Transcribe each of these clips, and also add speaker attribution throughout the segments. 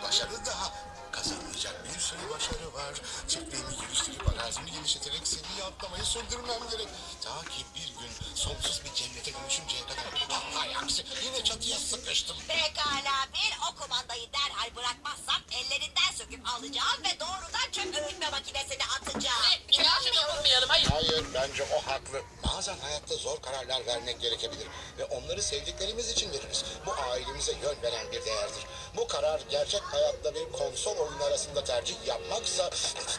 Speaker 1: başarı daha. Kazanılacak bir sürü başarı var. Çiftliğimi geliştirip arazimi genişleterek seviye atlamayı sürdürmem gerek. Ta ki bir gün sonsuz bir cennete dönüşünceye kadar. Hay aksi yine çatıya sıkıştım.
Speaker 2: Pekala o kumandayı derhal bırakmazsam ellerinden söküp alacağım ve doğrudan çöp öğütme makinesine atacağım.
Speaker 3: İnanmıyorum. Hayır.
Speaker 1: Hayır bence o haklı. Bazen hayatta zor kararlar vermek gerekebilir. Ve onları sevdiklerimiz için veririz. Bu ailemize yön veren bir değerdir. Bu karar gerçek hayatta bir konsol oyunu arasında tercih yapmaksa...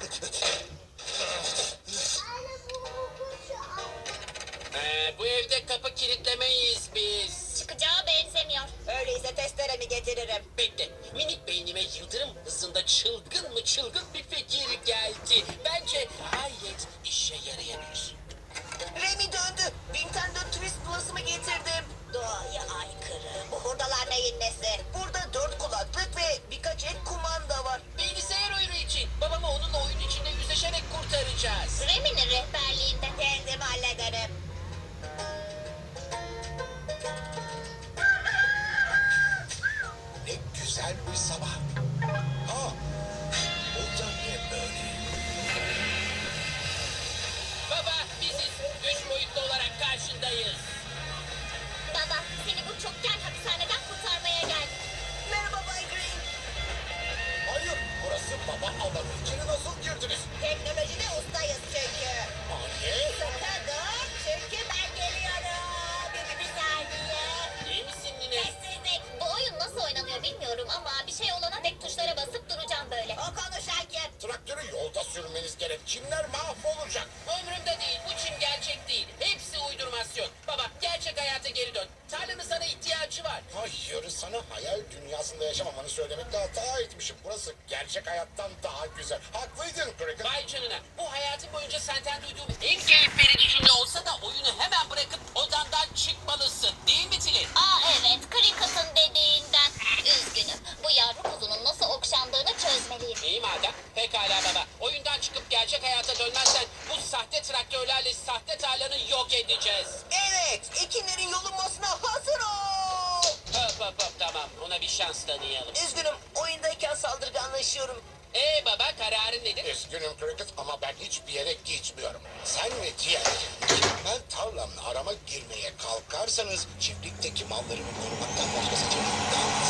Speaker 3: Bu evde kapı kilitlemeyiz biz.
Speaker 2: Çıkacağı benzemiyor. Öyleyse testeremi getiririm.
Speaker 3: Bekle. Minik beynime yıldırım hızında çılgın bir fikir geldi. Bence gayet işe yarayabilir.
Speaker 2: Remy döndü. Nintendo Twist Plus'ımı getirdim. Doğaya aykırı. Bu hurdalar neyin nesi? Burada 4 kulaklık ve birkaç ek kumanda var.
Speaker 3: Bilgisayar oyunu için. Babamı onunla oyun içinde yüzleşerek kurtaracağız.
Speaker 2: Remy'nin rehberliğinde kendim hallederim.
Speaker 1: Ne güzel bir sabah. Aa, bu da ne böyle?
Speaker 3: Baba biziz. 3 boyutlu olarak karşındayız.
Speaker 2: Baba, seni bu çokgen hapishaneden kurtarmaya geldim. Merhaba Bay Green.
Speaker 1: Hayır, burası baba alanı. İçeri nasıl girdiniz?
Speaker 2: Teknolojide ustayız çünkü.
Speaker 1: Anne.
Speaker 2: Sakın dur, çünkü ben geliyorum. Bir saniye.
Speaker 3: İyi misin Nine?
Speaker 2: Sessizlik. Bu oyun nasıl oynanıyor bilmiyorum ama bir şey olana tek tuşlara basıp duracağım böyle. O konuşan kim?
Speaker 1: Traktörü yolda sürmeniz gerek. Çimler mahvolacak.
Speaker 3: Umurumda değil. Bu çim gerçek değil. Hepsi uydurmasyon. Baba gerçek hayata geri dön. Tarlanın sana ihtiyacı var.
Speaker 1: Hayır, sana hayal dünyasında yaşamamanı söylemekte hata etmişim. Burası gerçek hayattan daha güzel. Haklıydın Cricket.
Speaker 3: Vay canına. Bu hayatım boyunca senden duyduğum en keyif verici cümle olsa da oyunu hemen bırakıp odandan çıkmalısın. Değil mi Tilly?
Speaker 2: Aa evet, Cricket'ın dediğinden. Üzgünüm. Bu yavru kuzunun nasıl okşandığını çözmeliyim.
Speaker 3: İyi madem. Pekala baba. Oyundan çıkıp gerçek hayata dönmezsen bu sahte traktörlerle sahte tarlanı yok edeceğiz.
Speaker 2: Evet, ekinlerin yolunmasına hazır ol.
Speaker 3: Hop tamam. Ona bir şans tanıyalım.
Speaker 2: Üzgünüm, oyundayken saldırganlaşıyorum.
Speaker 3: Baba kararın nedir?
Speaker 1: Üzgünüm Cricket ama ben hiçbir yere gitmiyorum. Sen ve diğerleri ben tarlamla arama girmeye kalkarsanız çiftlikteki mallarımı korumaktan başka seçeneğim kalmaz.